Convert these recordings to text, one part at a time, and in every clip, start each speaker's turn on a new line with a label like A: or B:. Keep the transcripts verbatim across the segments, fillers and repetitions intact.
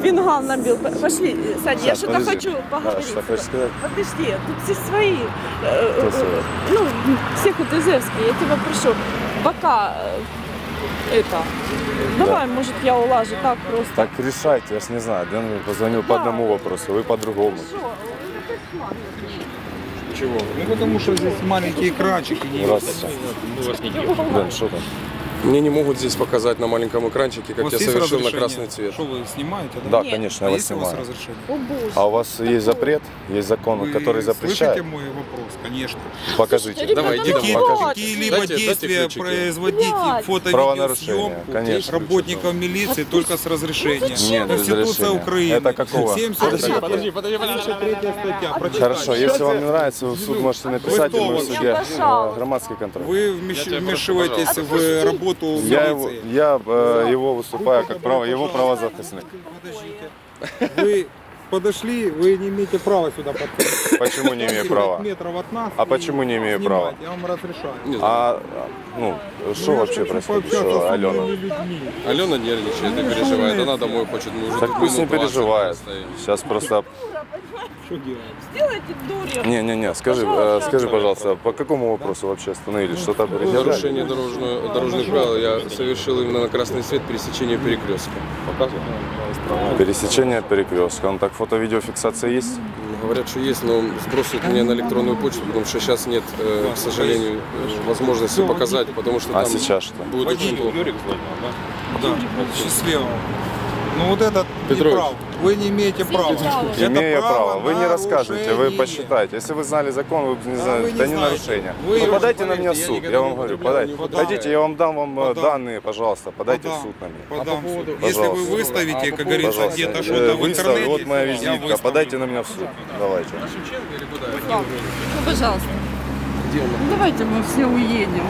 A: фингал набил. Пошли, Саня, я что-то хочу поговорить.
B: Что хочешь сказать?
A: Подожди, тут все свои. Ну, все хутызевские, я тебя прошу. Пока это... Давай, может, я улажу так просто.
B: Так решайте, я ж не знаю. Дэн позвонил по одному вопросу, вы по другому.
C: Чего?
D: Ну потому что здесь маленькие экранчики. Не
B: Здравствуйте. Дэн, что там?
C: Мне не могут здесь показать на маленьком экранчике, как
D: У вас
C: я
D: есть
C: совершил на
D: разрешение?
C: красный цвет.
D: Что вы снимаете?
B: Да,
A: Нет.
B: конечно,
D: А
B: я вас
D: есть у вас
B: снимаю.
D: разрешение?
A: О, боже.
B: А у вас есть запрет, есть закон,
D: Вы
B: который запрещает?
D: слышите мой вопрос? Конечно.
B: Покажите.
A: Ребята,
C: Давай, иди
A: ну
C: домой,
A: вот.
C: покажи.
D: Какие-либо
C: Дайте- дайте
D: действия
C: ключики.
D: производить
A: Блядь.
B: Правонарушение,
D: фото-видеосъемку
B: конечно.
D: работников милиции только с разрешения.
B: Нет, без
D: Конституция
B: разрешения.
D: Украины.
B: Это какого?
D: семьдесят третья
C: Подожди, подожди, подожди.
D: третья статья. Прочитайте.
B: Хорошо, если вам не нравится, вы в суд можете написать, и
D: кто
B: мы в
D: вообще?
B: суде
A: Пожалуйста.
B: э, громадский контроль.
D: Вы вмеш- вмешиваетесь в работу
B: Я, его,
D: милиции.
B: я э, его выступаю как право, его правозахисник.
D: Подождите. Вы подошли, вы не имеете права сюда подходить.
B: Почему не имею права?
D: Метров от нас.
B: А
D: и
B: почему не имею
D: снимать.
B: права?
D: Я вам разрешаю.
B: А, ну, что вообще происходит, что Алена?
C: Алена нервничает и переживает. Она домой хочет. Мы уже
B: Так
C: тут
B: пусть не
C: минут двадцать
B: переживает.
C: стоим.
B: Сейчас просто...
D: Что делать?
A: Сделайте дурью.
B: Не-не-не, скажи, э, скажи, пожалуйста, по какому вопросу вообще остановились? Что-то предъявляли?
C: Нарушение дорожного, дорожных правил я совершил именно на красный свет пересечения перекрестка. Показываю?
B: Пересечение перекрестка. Ну так фото-видеофиксация есть?
C: Говорят, что есть, но сбросят мне на электронную почту, потому что сейчас нет, э, к сожалению, э, возможности показать, потому что
B: А
C: там
B: сейчас что?
C: будет очень плохо.
D: Да, счастливо. Ну вот этот не
C: Петрович.
D: прав. Вы не имеете права. Это
B: Имею право. Вы не расскажете, вы
D: нарушение.
B: посчитайте. Если вы знали закон, вы бы не знали,
D: вы
B: это
D: не
B: не
D: знаете.
B: нарушение.
D: Вы-
B: Ну, подайте на
C: поверьте,
B: меня в
C: я
B: суд,
C: никогда
B: я
C: не
B: вам говорю,
C: употреблял,
B: подайте.
C: не употреблял.
B: Хотите, я вам дам вам э,
D: Подам.
B: данные, пожалуйста, подайте в
D: Подам.
B: суд на меня.
D: Подам в суд. Если
B: Пожалуйста.
D: вы выставите, как говорится,
B: Пожалуйста,
D: где-то
B: э,
D: что-то в
B: выставлю,
D: интернете,
B: вот моя
D: я
B: визитка,
D: выставлю.
B: подайте на меня в суд. Давайте.
A: Ну, пожалуйста. Ну, давайте мы все уедем.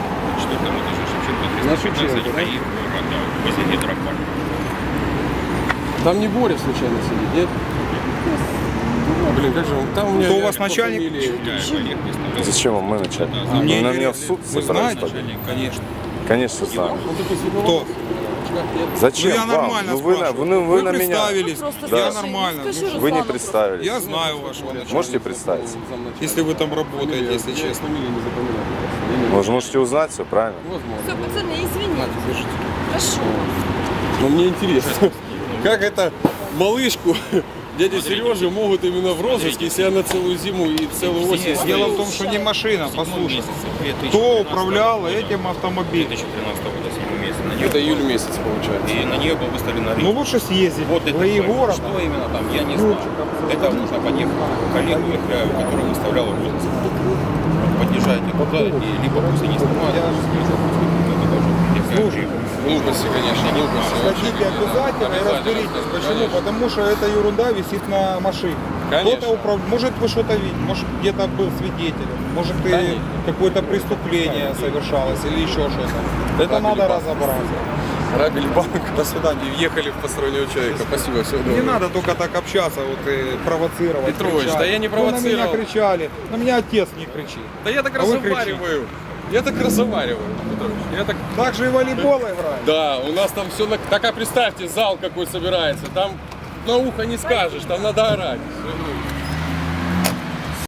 C: Там не Боря случайно сидит, нет? Блин, как же он? Там у меня
D: Кто у вас
C: по
D: начальник?
C: фамилии.
B: Зачем вам мы начальник? Вы
D: Мне
B: на меня в
D: интересно.
B: суд
D: Вы
B: собирались
D: знаете?
B: подать?
D: Конечно.
B: Конечно, знаю.
C: Он такой светловолосый.
D: Кто?
B: Зачем
D: Ну, я
B: вам?
D: нормально
B: Ну, вы, на-
D: спрашиваю.
B: вы, вы
D: Вы
B: на меня...
D: представились,
A: Просто
D: я
A: скажи,
D: нормально.
A: скажи
D: Ну,
B: Вы не
A: Руслану
B: представились.
D: Я знаю вашего начальника.
B: Можете представиться?
D: Если вы там работаете, если честно.
C: Фамилию не запоминаю.
B: Вы же можете узнать все, правильно?
C: Возможно.
A: Все, пацаны, извините. Прошу.
C: Но мне интересно, как это малышку дяди Сережи могут именно в розыске, если она целую зиму и целую осень
D: Дело в
C: стоит?
D: том, что не машина, послушай. Кто управлял этим автомобилем?
C: Это июль месяц получается.
E: И на нее был выставлен
D: Ну лучше съездить
E: Вот
D: в
E: это
D: Егора.
E: что именно там, я не знаю. Это нужно подъехать к коллегу их, э, который выставлял розыск. Подъезжайте туда, и либо пусть они снимают,
D: Слушай,
C: Глупости, конечно, глупости.
D: Хотите обязательно и разберитесь. Почему? Потому что эта ерунда висит на машине.
C: Конечно.
D: Кто-то управ... Может вы что-то видите, может где-то был свидетелем, может и
C: Конечно.
D: какое-то преступление совершалось или еще что-то. Это
C: Грабили
D: надо
C: банк.
D: разобраться.
C: Грабили банк.
D: До свидания.
C: И въехали в постороннего человека. Спасибо, всего доброго.
D: Не надо только так общаться, вот и провоцировать.
C: Петрович,
D: кричать.
C: да я не
D: Вы на меня
C: провоцировал.
D: кричали, на меня отец не кричит.
C: Да я так
D: А вы
C: разговариваю. Я так разговариваю, Петрович. Я так...
D: Так же и волейбол играть.
C: Да, у нас там все... На... Так, а представьте, зал какой собирается. Там на ухо не скажешь, там надо орать.